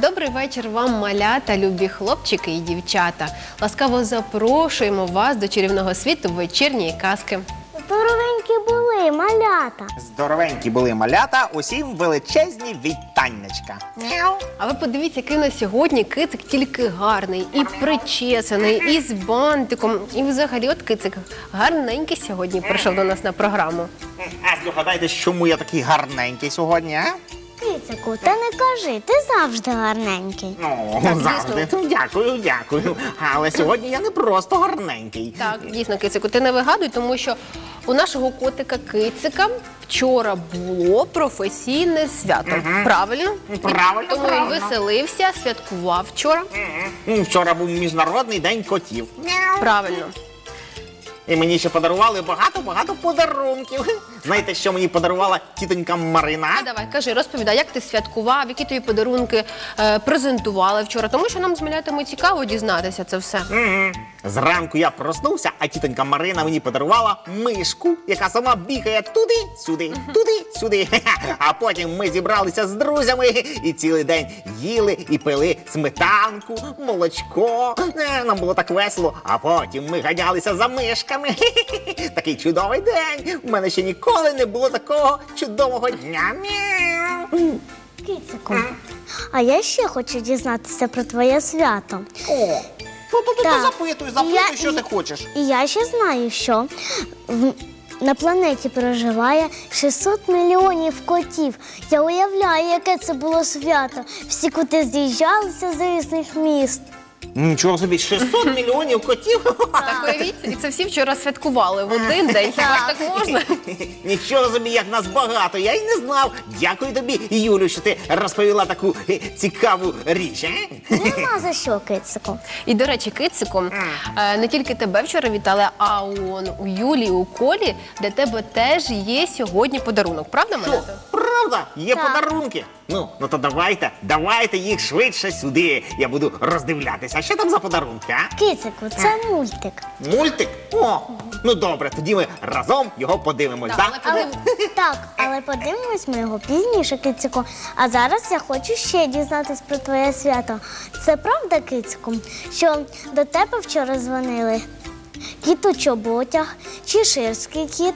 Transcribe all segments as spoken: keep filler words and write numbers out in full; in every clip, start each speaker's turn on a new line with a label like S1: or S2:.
S1: Добрий вечір вам, малята, любі хлопчики і дівчата. Ласкаво запрошуємо вас до чарівного світу вечірньої казки.
S2: Здоровенькі були, малята.
S3: Здоровенькі були малята, усім величезні вітаннячка. Мяу.
S1: А ви подивіться, який на сьогодні кицик тільки гарний, і причесаний, і з бантиком. І взагалі от кицик гарненький сьогодні прийшов до нас на програму.
S3: А здогадайтесь, чому я такий гарненький сьогодні, а?
S2: Кицику, та не кажи, ти завжди гарненький.
S3: Ну,
S1: Так,
S3: завжди. Дякую, дякую. Але сьогодні я не просто гарненький.
S1: Так, дійсно, кицику, ти не вигадуй, тому що у нашого котика кицика вчора було професійне свято. Правильно?
S3: Правильно,
S1: Тому він
S3: правильно.
S1: веселився, святкував вчора.
S3: М, Вчора був Міжнародний день котів.
S1: Правильно.
S3: І мені ще подарували багато-багато подарунків. Знаєте, що мені подарувала тітонька Марина?
S1: А давай, кажи, розповідай, як ти святкував, які тобі подарунки е, презентували вчора, тому що нам з малятами цікаво дізнатися це все.
S3: Мгм. Зранку я проснувся, а тітонька Марина мені подарувала мишку, яка сама бігає туди-сюди, туди-сюди. А потім ми зібралися з друзями і цілий день їли і пили сметанку, молочко. Е, Нам було так весело. А потім ми ганялися за мишками. Такий чудовий день. У мене ще ніколи не було такого чудового дня. Мяу.
S2: Кицику, а я ще хочу дізнатися про твоє свято.
S3: О, ну то ти
S2: Так.
S3: запитуй, запитуй,
S2: Я-
S3: що ти хочеш.
S2: І я ще знаю, що в- на планеті проживає шістсот мільйонів котів. Я уявляю, яке це було свято. Всі коти з'їжджалися з різних міст.
S3: Нічого собі, шістсот мільйонів котів?
S1: Так уявіть, і це всі вчора святкували в один день. Хіба ж так можна?
S3: Нічого собі, як нас багато, я й не знав. Дякую тобі, Юлю, що ти розповіла таку е, цікаву річ. е?
S2: Нема за що, Кицику.
S1: І, до речі, кициком, е, не тільки тебе вчора вітали, а он у Юлі, у Колі, для тебе теж є сьогодні подарунок. Правда,
S3: Що,
S1: малята?
S3: правда? Є
S2: Так.
S3: подарунки? Ну, ну то давайте, давайте їх швидше сюди. Я буду роздивлятися. Що там за подарунки, а?
S2: Кицику, це мультик.
S3: Мультик? О, ну добре, тоді ми разом його подивимось,
S1: Так,
S3: так?
S1: але
S2: Але, так, але подивимось ми його пізніше, Кицику. А зараз я хочу ще дізнатись про твоє свято. Це правда, Кицику, що до тебе вчора дзвонили кіт у чоботях, чеширський кіт?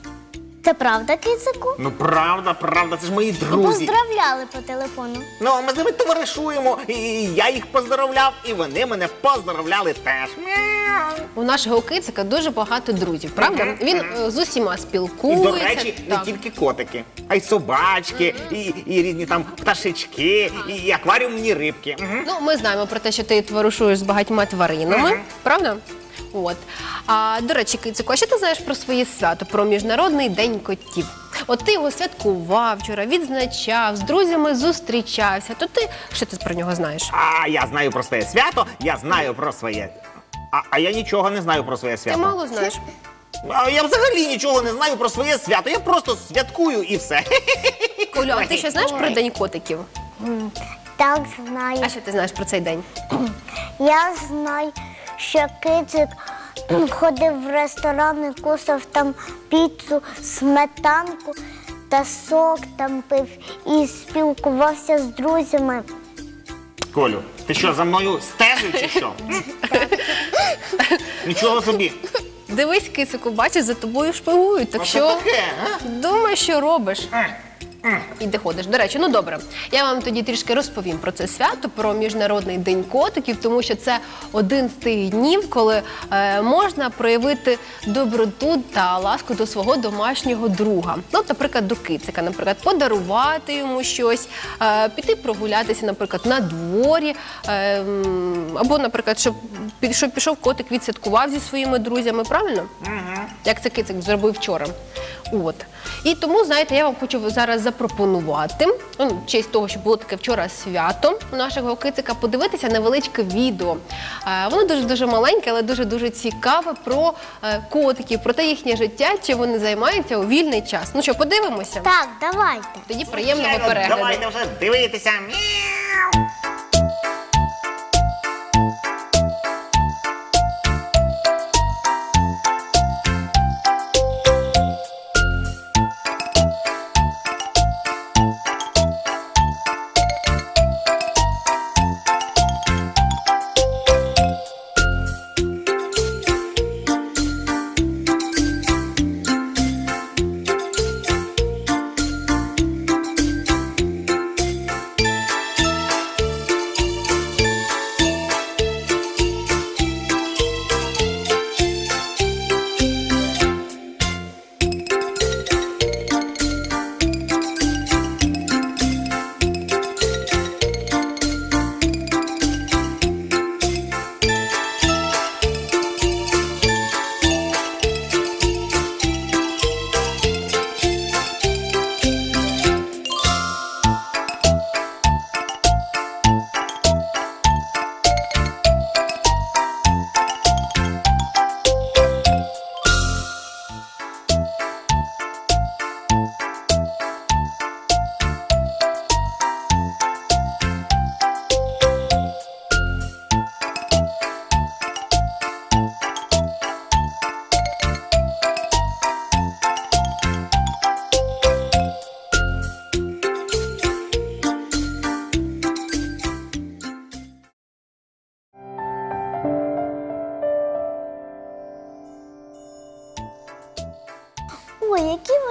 S2: Це правда, Кицику?
S3: Ну правда, правда, це ж мої
S2: І
S3: друзі.
S2: поздравляли по телефону.
S3: Ну, ми з ними товаришуємо, і я їх поздоровляв, і вони мене поздоровляли теж. Мяу.
S1: у нашого кицика дуже багато друзів, правда? Він е, з усіма
S3: І,
S1: спілкується.
S3: до речі, не
S1: так.
S3: тільки котики, а й собачки, і, і різні там пташечки, і акваріумні рибки. Мгм.
S1: Ну, ми знаємо про те, що ти товаришуєш з багатьма тваринами,
S3: Мгм.
S1: правда? От. А, до речі, Кицику, а що ти знаєш про своє свято, про Міжнародний день котів? От ти його святкував вчора, відзначав, з друзями зустрічався. То ти, що ти про нього знаєш?
S3: А я знаю про своє свято, я знаю про своє. А, а я нічого не знаю про своє
S1: Ти
S3: свято.
S1: мало знаєш.
S3: А я взагалі нічого не знаю про своє свято. Я просто святкую і все.
S1: Колю, а ти що знаєш про День котиків?
S2: Так, знаю.
S1: А що ти знаєш про цей день?
S2: Я знаю, що Кицик ходив в ресторан і кусав там піцу, сметанку та сок там пив і спілкувався з друзями.
S3: Колю, ти що, за мною стежив чи що? Нічого собі.
S1: Дивись, Кицику, бачиш, за тобою шпигують, так
S3: Що
S1: що
S3: таке, а?
S1: думай, що робиш. І де ходиш. До речі, ну добре, я вам тоді трішки розповім про це свято, про Міжнародний день котиків, тому що це один з тих днів, коли е, можна проявити доброту та ласку до свого домашнього друга. Ну, от, наприклад, до кицика, наприклад, подарувати йому щось, е, піти прогулятися, наприклад, на дворі, е, м, або, наприклад, щоб, пі- щоб пішов котик, відсвяткував зі своїми друзями, правильно? Як це кицик зробив вчора. От. І тому, знаєте, я вам хочу зараз запропонувати, ну, в честь того, що було таке вчора свято у нашого кицика, подивитися невеличке відео. Е, Воно дуже-дуже маленьке, але дуже-дуже цікаве про е, котиків, про те їхнє життя, чим вони займаються у вільний час. Ну що, подивимося?
S2: Так, давайте.
S1: Тоді приємного
S3: Звичайно,
S1: перегляду.
S3: давайте вже дивитися. Мяу.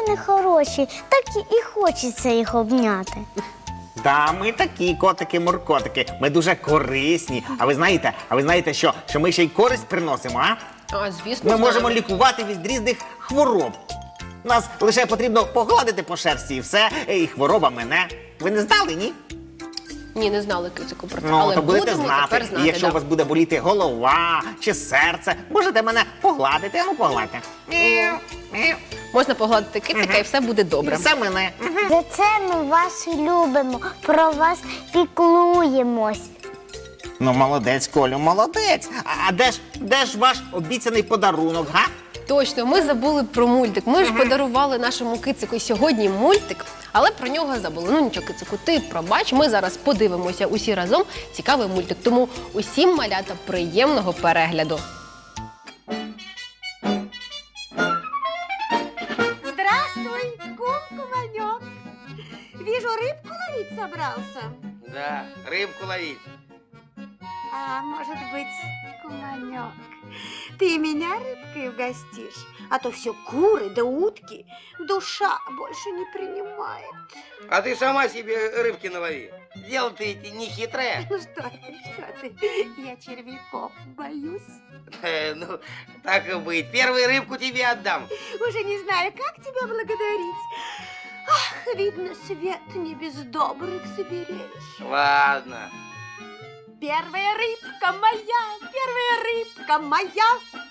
S2: вони хороші, так і- і хочеться їх обняти.
S3: Да, ми такі котики-муркотики. Ми дуже корисні. А ви знаєте, а ви знаєте, що, що ми ще й користь приносимо, а?
S1: А, звісно,
S3: Ми
S1: знаю.
S3: можемо лікувати від різних хвороб. Нас лише потрібно погладити по шерсті і все, і хвороба мине. Ви не знали, ні?
S1: Ні, не знали кицику про це.
S3: Ну,
S1: але
S3: то будете
S1: будемо
S3: знати.
S1: тепер знати.
S3: І якщо
S1: да.
S3: у вас буде боліти голова чи серце, можете мене погладити, а ну погладьте. Мяу, мяу.
S1: Можна погладити кицика і все буде
S3: І
S1: добре.
S3: все мене.
S2: За це ми вас любимо, про вас піклуємось.
S3: Ну, молодець, Колю, молодець. А, а де ж, де ж ваш обіцяний подарунок, га?
S1: Точно, ми забули про мультик. Ми ж подарували нашому кицику сьогодні мультик, але про нього забули. Ну нічого, кицику, ти пробач, ми зараз подивимося усі разом цікавий мультик. Тому усім, малята, приємного перегляду.
S4: Здравствуй, кум-куманек. Вижу, рыбку ловить собрался.
S5: Да, рыбку ловить.
S4: А может быть, куманек, ты меня рыбкой угостишь? А то все куры да утки, душа больше не принимает.
S5: А ты сама себе рыбки налови. Дело-то эти не хитрое.
S4: Ну что ты, что ты, я червяков боюсь.
S5: Э, Ну, так и быть. Первую рыбку тебе отдам.
S4: Уже не знаю, как тебя благодарить. Ах, видно, свет не без добрых зверей.
S5: Ладно.
S4: Первая рыбка моя, первая рыбка моя.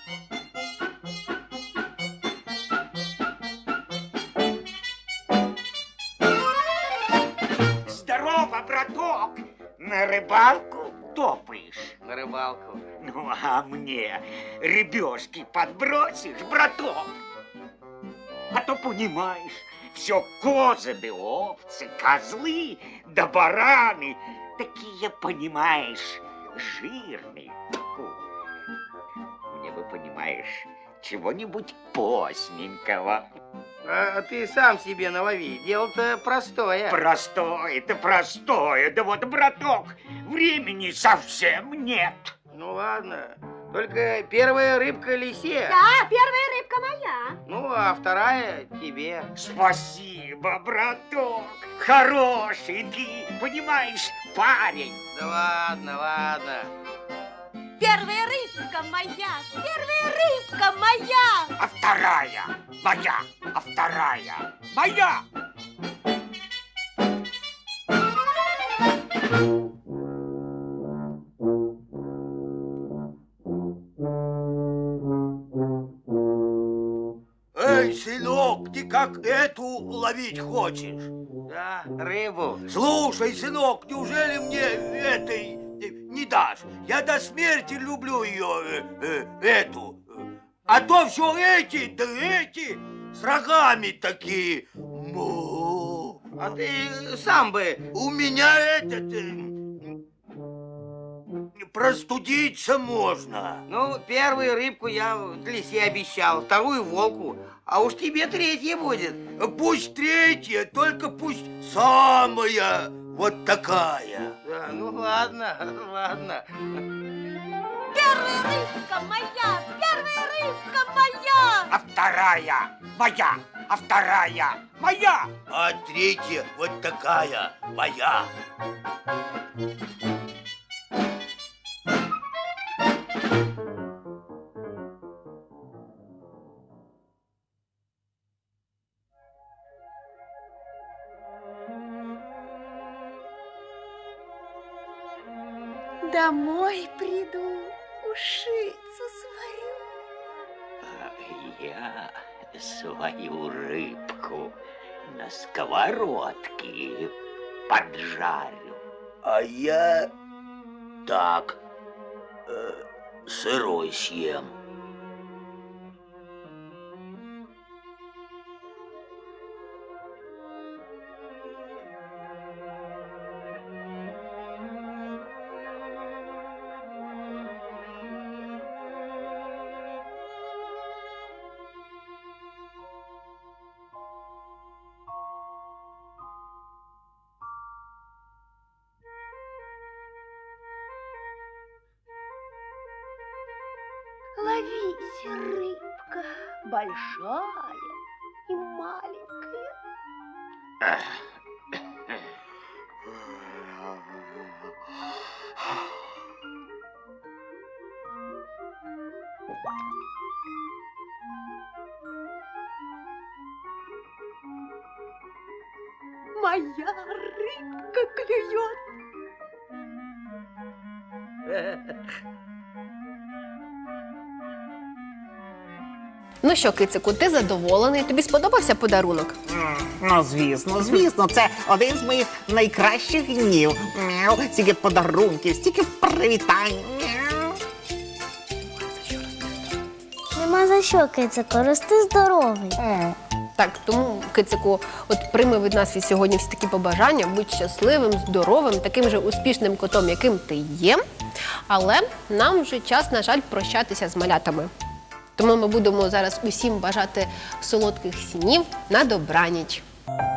S6: Здорово, браток! На рыбалку топаешь?
S5: На рыбалку.
S6: Ну, а мне рыбешки подбросишь, браток? А то, понимаешь, все козы да овцы, козлы да бараны. Такие, понимаешь, жирные. Фу. Мне бы, понимаешь, чего-нибудь постненького.
S5: А ты сам себе налови. Дело-то простое.
S6: Простое-то простое. Да вот, браток, времени совсем нет.
S5: Ну ладно. Только первая рыбка лисе.
S4: Да, первая рыбка моя.
S5: Ну, а вторая тебе.
S6: Спасибо, браток. Хороший ты, понимаешь, парень.
S5: Да ладно, ладно.
S4: Первая рыбка моя, первая рыбка моя.
S6: А вторая моя, а вторая моя.
S7: Эй, сынок, ты как эту ловить хочешь?
S5: Да, рыбу.
S7: Слушай, сынок, неужели мне этой э, не дашь? Я до смерти люблю ее, э, э, эту. А то все эти, да эти, с рогами такие. Му.
S5: А ты сам бы...
S7: У меня этот... э, простудиться можно.
S5: Ну, первую рыбку я лисе обещал, вторую волку, а уж тебе третья будет.
S7: Пусть третья, только пусть самая вот такая.
S5: Да, ну ладно, ладно.
S4: Первая рыбка моя, первая рыбка моя.
S6: А вторая моя, а вторая моя.
S7: А третья вот такая моя.
S4: Домой приду, ушицу сварю.
S6: А я свою рыбку на сковородке поджарю.
S7: А я так э, сырой съем.
S4: Ловись, рыбка, большая и маленькая. Моя рыбка клюет.
S1: Ну що, кицику, ти задоволений? Тобі сподобався подарунок?
S3: М, Ну, звісно, звісно, це один з моїх найкращих днів. Мяу, стільки подарунків, стільки привітань. Мяу.
S2: Нема за що, кицико, рости здоровий.
S1: Так, тому, кицику, от прийми від нас від сьогодні всі такі побажання, будь щасливим, здоровим, таким же успішним котом, яким ти є. Але нам вже час, на жаль, прощатися з малятами. Тому ми будемо зараз усім бажати солодких снів на добраніч.